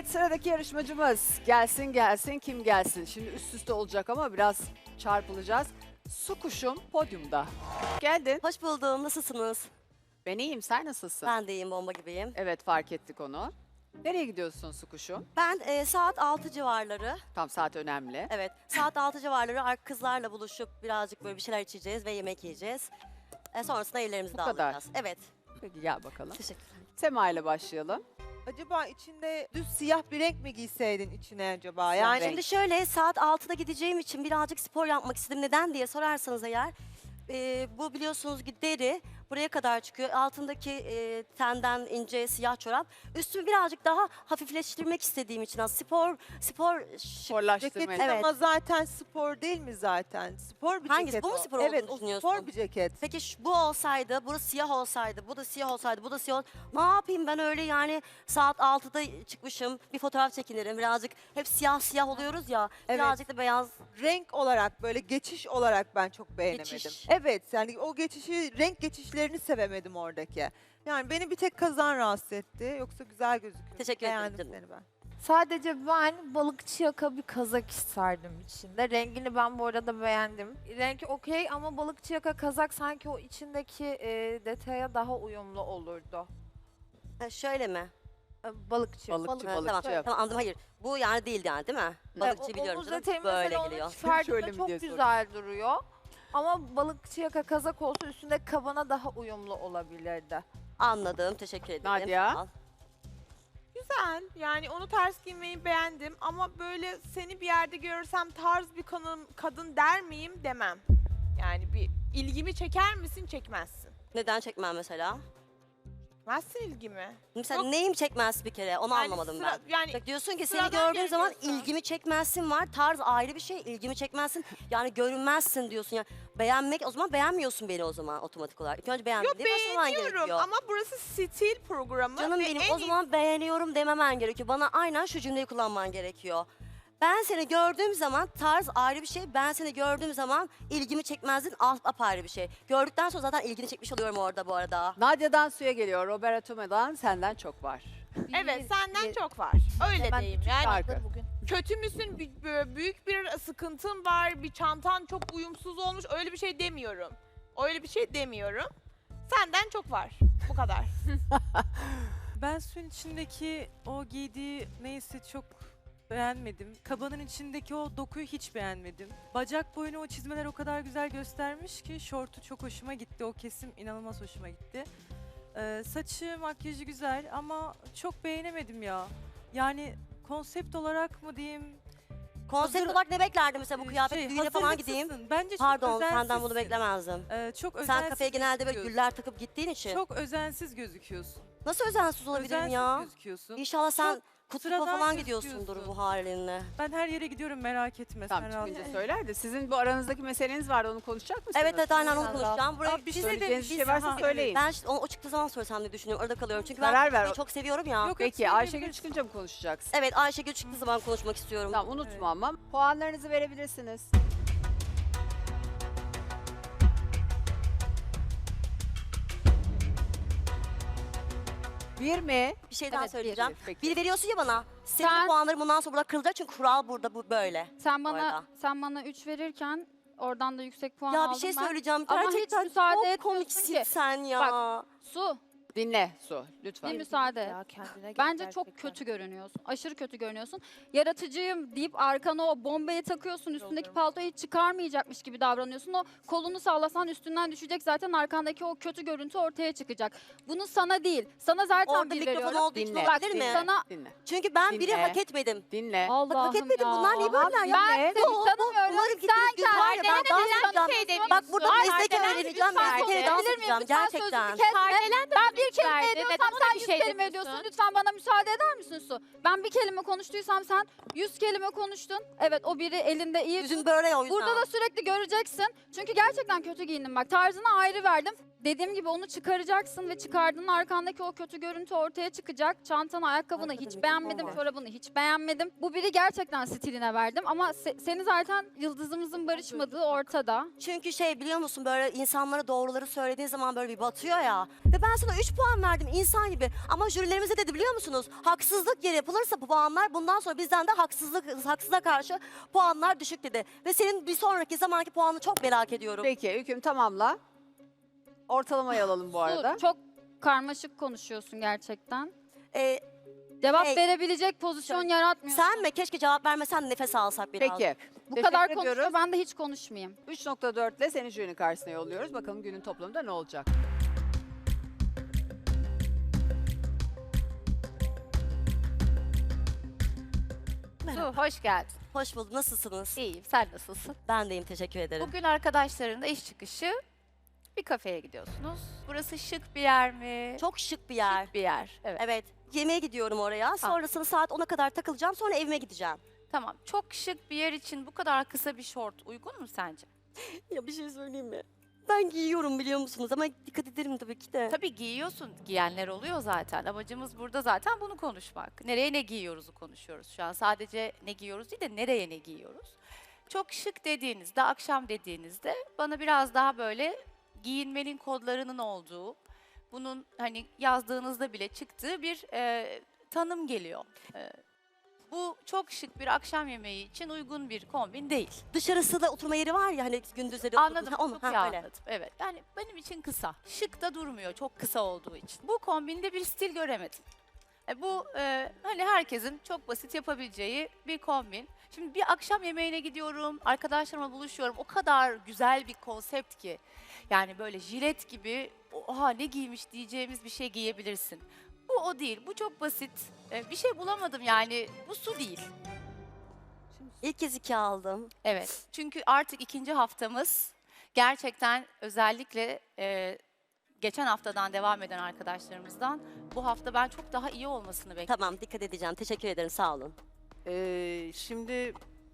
sıradaki yarışmacımız gelsin gelsin kim gelsin? Şimdi üst üste olacak ama biraz çarpılacağız. Su kuşum podyumda. Geldin. Hoş buldum. Nasılsınız? Ben iyiyim, sen nasılsın? Ben de iyiyim, bomba gibiyim. Evet, fark ettik onu. Nereye gidiyorsun su kuşum? Ben saat 6 civarları, Tam saat önemli. evet saat 6 civarları kızlarla buluşup birazcık böyle bir şeyler içeceğiz ve yemek yiyeceğiz. Sonrasında evlerimizi Bu de kadar. alacağız. Evet. Peki gel bakalım. Teşekkürler. Sema ile başlayalım. Acaba içinde düz siyah bir renk mi giyseydin içine acaba? Siyah Yani renk. Şimdi şöyle saat 6'da gideceğim için birazcık spor yapmak istedim. Neden diye sorarsanız eğer bu biliyorsunuz ki deri buraya kadar çıkıyor. Altındaki tenden ince siyah çorap. Üstümü birazcık daha hafifleştirmek istediğim için spor Sporlaştırmaya. ceketin Evet. ama zaten spor değil mi zaten? Spor bir Hangisi? ceket Bu mu o. spor olduğunu Evet, o düşünüyorsun? spor bir ceket. Peki bu olsaydı, burası siyah olsaydı, bu da siyah olsaydı, bu da siyah ne yapayım ben öyle yani saat 6'da çıkmışım, bir fotoğraf çekinirim birazcık. Hep siyah siyah oluyoruz ya, Evet. birazcık da beyaz. Renk olarak böyle geçiş olarak ben çok beğenemedim. Geçiş. Evet yani o geçişi, renk geçişlerini sevemedim oradaki. Yani beni bir tek kazan rahatsız etti. Yoksa güzel gözüküyor. Teşekkür ederim Beğendim canım. seni ben. Sadece ben balıkçı yaka bir kazak isterdim içinde. Rengini ben bu arada beğendim. Renk okey ama balıkçı yaka kazak sanki o içindeki detaya daha uyumlu olurdu. Şöyle mi? Balıkçı. Balıkçı, Ha, balıkçı. Tamam, tamam anladım hayır. Bu yani değil yani değil mi? Balıkçı biliyorum Omuz canım, detayı böyle mesela onu geliyor. Şöyle çıkardığında mi çok diye güzel duruyor. Ama balıkçı yaka kazak olsa üstünde kabana daha uyumlu olabilirdi. Anladım, teşekkür ederim. Nadia? Sağ ol. Güzel. Yani onu ters giymeyi beğendim ama böyle seni bir yerde görürsem tarz bir kadın der miyim demem. Yani bir ilgimi çeker misin çekmezsin. Neden çekmem mesela? Çekmezsin ilgimi. Mesela Yok. neyim çekmez bir kere, onu Yani anlamadım sıra- ben. Yani Bak diyorsun ki seni sıradan gördüğüm zaman görünüyorsun. ilgimi çekmezsin var. Tarz ayrı bir şey. İlgimi çekmezsin. Yani görünmezsin diyorsun. Yani beğenmek o zaman beğenmiyorsun beni o zaman otomatik olarak. İlk önce Yok beğenmediği başlaman beğeniyorum gerekiyor. ama burası stil programı. Canım ve benim en o zaman beğeniyorum dememen gerekiyor. Bana aynen şu cümleyi kullanman gerekiyor. Ben seni gördüğüm zaman tarz ayrı bir şey. Ben seni gördüğüm zaman ilgimi çekmezdin apayrı bir şey. Gördükten sonra zaten ilgini çekmiş oluyorum orada bu arada. Nadia'dan suya geliyor. Roberto Toma'dan senden çok var. Evet senden çok var. Öyle Hemen diyeyim. bütün Yani Şarkı. bugün. kötü müsün? Büyük bir sıkıntın var. Bir çantan çok uyumsuz olmuş. Öyle bir şey demiyorum. Öyle bir şey demiyorum. Senden çok var. Bu kadar. Ben suyun içindeki o giydiği neyse çok beğenmedim. Kabanın içindeki o dokuyu hiç beğenmedim. Bacak boyunu o çizmeler o kadar güzel göstermiş ki şortu çok hoşuma gitti. O kesim inanılmaz hoşuma gitti. Saçı, makyajı güzel ama çok beğenemedim ya. Yani konsept olarak mı diyeyim? Konsept Hazır- olarak ne beklerdin mesela bu kıyafet düğüne falan hazırlıksızsın. gideyim? Bence çok Pardon özensizsin. senden bunu beklemezdim. Çok Sen özensiz kafeye genelde böyle gözüküyorsun. güller takıp gittiğin için. Çok özensiz gözüküyorsun. Nasıl özensiz olabilirim Özensiz ya? gözüküyorsun. İnşallah sen Çok kutlupa sıradan falan gidiyorsundur gözüküyorsun. bu halinle. Ben her yere gidiyorum merak etme. Tamam, sen rahat çıkınca ol. söyler de sizin bu aranızdaki meseleniz vardı, onu konuşacak mısınız? Evet evet aynen onu Sen konuşacağım. Buraya Aa, bir şey Söyleyeceğiniz bir şey demiş. varsa Ha, söyleyin. ben o çıktığı zaman söylesem diye düşünüyorum. Orada kalıyorum. Çünkü Karar ben ver. kutluyu çok seviyorum ya. Yok, Peki yok, Ayşegül söyleyebilirsin. çıkınca mı konuşacaksın? Evet Ayşegül çıktığı zaman konuşmak istiyorum. Tamam, unutma Evet. ama. Puanlarınızı verebilirsiniz. Bir mi? Bir şey daha Evet, söyleyeceğim. Peki. Bir veriyorsun ya bana. Senin Sen- puanların bundan sonra burada kırılacak çünkü kural burada bu böyle. Sen arada. bana 3 verirken oradan da yüksek puan Ya aldım bir şey ben. söyleyeceğim. Ama hiç Gerçekten müsaade çok etmiyorsun komiksin ki. sen ya. Bak, Su, Dinle Su, lütfen. bir müsaade et. Ya kendine gel Bence çok gerçekten. kötü görünüyorsun. Aşırı kötü görünüyorsun. Yaratıcıyım deyip arkana o bombayı takıyorsun. Üstündeki paltoyu hiç çıkarmayacakmış gibi davranıyorsun. O kolunu sallasan üstünden düşecek, zaten arkandaki o kötü görüntü ortaya çıkacak. Bunu sana değil. Sana zaten Orada bir mikrofon veriyorum. olduğu için Dinle, olabilir mi? dinle, Sana- dinle, Çünkü ben biri Dinle. hak etmedim. dinle. Allah'ım Bak hak etmedim ya. bunlar niye böyle ya? Ben seni tanımıyorum. Bunların gittiğiniz gün var ya ben dans edeceğim. Bak burada meslek öğreneceğim. Ben bir kere dans edeceğim gerçekten. Ben bir kelime verdi. ediyorsam Neden sen ona bir 100 şey kelime ediyorsun. Lütfen bana müsaade eder misin Su? Ben bir kelime konuştuysam sen 100 kelime konuştun. Evet, o biri elinde iyi. Yüzün böyle o yüzden. Burada da sürekli göreceksin. Çünkü gerçekten kötü giyindim bak. Tarzına ayrı verdim. dediğim gibi onu çıkaracaksın ve çıkardığın arkandaki o kötü görüntü ortaya çıkacak. Çantanı, ayakkabını Arkada hiç bir beğenmedim, mikrofon var. çorabını hiç beğenmedim. Bu biri gerçekten stiline verdim ama seni zaten yıldızımızın barışmadığı ortada. Çünkü şey biliyor musun böyle insanlara doğruları söylediğin zaman böyle bir batıyor ya. Ve ben sana 3 puan verdim insan gibi. Ama jürilerimize dedi biliyor musunuz? Haksızlık yeri yapılırsa bu puanlar bundan sonra bizden de haksızlığa karşı puanlar düşük dedi. Ve senin bir sonraki zamanki puanını çok merak ediyorum. Peki hüküm tamamla. Ortalamayı alalım bu arada. Su, çok karmaşık konuşuyorsun gerçekten. Ee, Cevap Hey, verebilecek pozisyon yaratmıyorsun. sen mi? Keşke cevap vermesen nefes alsak biraz. Peki. Bu Teşekkür kadar ediyoruz. konuşuyor, ben de hiç konuşmayayım. 3.4 ile seni jürinin karşısına yolluyoruz. Bakalım günün toplamında ne olacak? Su, hoş geldin. Hoş bulduk. Nasılsınız? İyiyim, sen nasılsın? Ben deyim. Teşekkür ederim. Bugün arkadaşlarınla iş çıkışı bir kafeye gidiyorsunuz. Burası şık bir yer mi? Çok şık bir yer. Şık bir yer, evet. Evet. Yemeğe gidiyorum oraya. Sonrasında saat 10'a kadar takılacağım. Sonra evime gideceğim. Tamam, çok şık bir yer için bu kadar kısa bir şort uygun mu sence? Ya bir şey söyleyeyim mi? Ben giyiyorum biliyor musunuz? Ama dikkat ederim tabii ki de. Tabii giyiyorsun, giyenler oluyor zaten. Amacımız burada zaten bunu konuşmak. Nereye ne giyiyoruzu konuşuyoruz şu an. Sadece ne giyiyoruz değil de nereye ne giyiyoruz. Çok şık dediğinizde, akşam dediğinizde bana biraz daha böyle giyinmenin kodlarının olduğu, bunun hani yazdığınızda bile çıktığı bir tanım geliyor. Bu çok şık bir akşam yemeği için uygun bir kombin değil. Dışarısı da oturma yeri var ya hani gündüzleri Anladım, oturma- çok Ha, iyi öyle. anladım. Evet, yani benim için kısa. Şık da durmuyor çok kısa olduğu için. Bu kombinde bir stil göremedim. Bu hani herkesin çok basit yapabileceği bir kombin. Şimdi bir akşam yemeğine gidiyorum, arkadaşlarımla buluşuyorum. O kadar güzel bir konsept ki. Yani böyle jilet gibi, oha ne giymiş diyeceğimiz bir şey giyebilirsin. Bu o değil, bu çok basit. Bir şey bulamadım yani, bu su değil. İlk kez 2 aldım. Evet, çünkü artık ikinci haftamız gerçekten özellikle geçen haftadan devam eden arkadaşlarımızdan bu hafta ben çok daha iyi olmasını bekliyorum. Tamam dikkat edeceğim. Teşekkür ederim. Sağ olun. Şimdi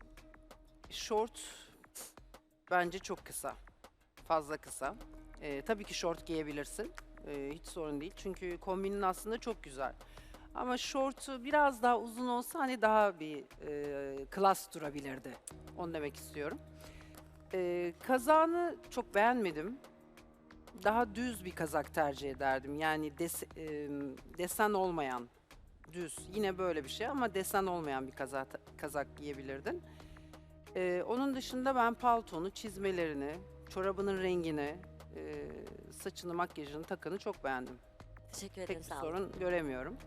şort bence çok kısa. Fazla kısa. Tabii ki şort giyebilirsin. Hiç sorun değil. Çünkü kombinin aslında çok güzel. Ama şortu biraz daha uzun olsa hani daha bir klas durabilirdi. Onu demek istiyorum. Kazağını çok beğenmedim. Daha düz bir kazak tercih ederdim. Yani desen olmayan, düz. Yine böyle bir şey ama desen olmayan bir kazak giyebilirdin. Onun dışında ben paltonu, çizmelerini, çorabının rengini, saçını, makyajını, takını çok beğendim. Teşekkür ederim. Pek bir Sağ olun. sorun göremiyorum.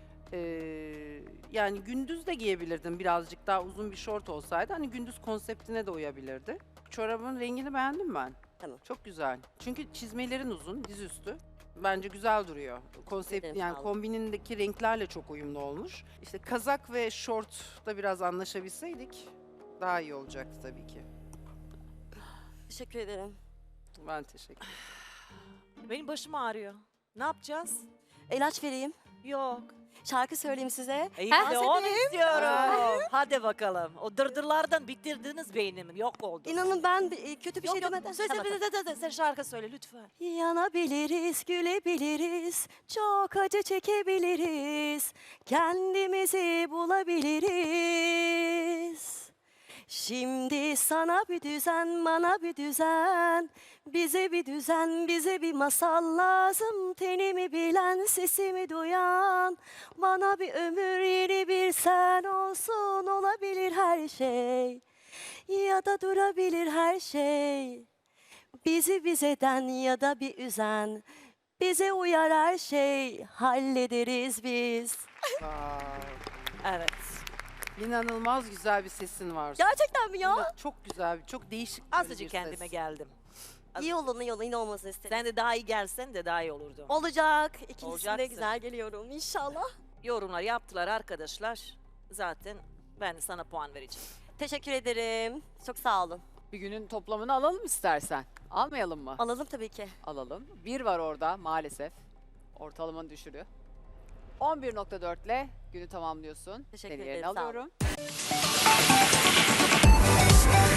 Yani gündüz de giyebilirdin birazcık daha uzun bir şort olsaydı. Hani gündüz konseptine de uyabilirdi. Çorabın rengini beğendim ben. Tamam. Çok güzel. Çünkü çizmelerin uzun, dizüstü. Bence güzel duruyor. Konsept ederim, yani sağ olun. kombinindeki renklerle çok uyumlu olmuş. İşte kazak ve şortta biraz anlaşabilseydik daha iyi olacaktı tabii ki. Teşekkür ederim. Ben teşekkür ederim. Benim başım ağrıyor. Ne yapacağız? İlaç vereyim. Yok. Şarkı söyleyeyim size. İyi Dans de onu edeyim. istiyorum. Hadi bakalım. O dırdırlardan bitirdiniz beynimi. Yok oldu. İnanın ben kötü bir Yok şey yok. demeden. Söyle, Tamam, sen şarkı söyle lütfen. Yanabiliriz, gülebiliriz, çok acı çekebiliriz, kendimizi bulabiliriz. Şimdi sana bir düzen, bana bir düzen, bize bir düzen, bize bir masal lazım. Tenimi bilen, sesimi duyan, bana bir ömür, yeni bir sen olsun. Olabilir her şey ya da durabilir her şey. Bizi bizeden ya da bir üzen, bize uyar her şey, hallederiz biz. Evet. İnanılmaz güzel bir sesin var. Gerçekten mi ya? Çok güzel, çok değişik bir Azıcık ses. kendime geldim. İyi olun, iyi olun, iyi olmasını istedim. Sen de daha iyi gelsen de daha iyi olurdu. Olacak. İkincisinde Olacaksın. güzel geliyorum inşallah. Yorumlar yaptılar arkadaşlar. Zaten ben sana puan vereceğim. Teşekkür ederim. Çok sağ olun. Bir günün toplamını alalım istersen. Almayalım mı? Alalım tabii ki. Alalım. 1 var orada maalesef. Ortalamanı düşürüyor. 11.4 ile günü tamamlıyorsun. Teşekkür Seni ederim, yerine sağ olun. alıyorum.